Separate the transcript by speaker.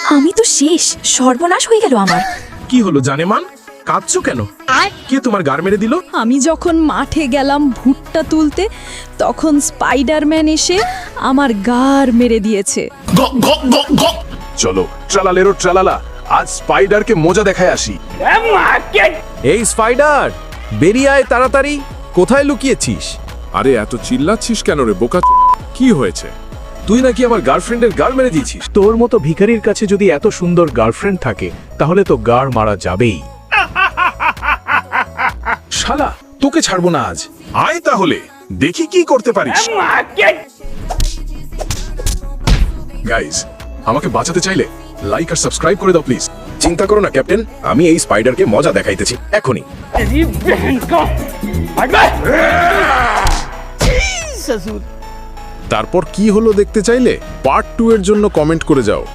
Speaker 1: আমি তো শেষ, সর্বনাশ হয়ে গেল আমার।
Speaker 2: কি হলো জানেমান, কাঁদছো কেন? কে তোমার গার মেরে দিল?
Speaker 3: আমি যখন মাঠে গেলাম ভুট্টা তুলতে, তখন স্পাইডারম্যান এসে আমার গার মেরে দিয়েছে।
Speaker 2: চলো ট্রালালেরো ট্রালালা, আজ স্পাইডারকে মজা দেখায় আসি।
Speaker 4: এই স্পাইডার, বেরিয়ে আয় তাড়াতাড়ি। কোথায় লুকিয়েছিস?
Speaker 2: আরে এত চিল্লাচ্ছিস কেন রে বোকা? কি হয়েছে? তুই নাকি আমার গার্লফ্রেন্ডের গার মেরে দিয়েছিস?
Speaker 5: তোর মতো ভিখারির কাছে যদি এত সুন্দর গার্লফ্রেন্ড থাকে তাহলে তো গার মারা যাবেই।
Speaker 2: শালা, তোকে ছাড়বো না আজ। আয় তাহলে দেখি কি করতে পারিস। গাইস, আমাকে বাঁচাতে চাইলে লাইক আর সাবস্ক্রাইব করে দাও প্লিজ। চিন্তা করো না ক্যাপ্টেন, আমি এই স্পাইডারকে মজা দেখাইতেছি এখনই।
Speaker 4: তারপর কি হলো দেখতে চাইলে পার্ট 2 এর জন্য কমেন্ট করে যাও।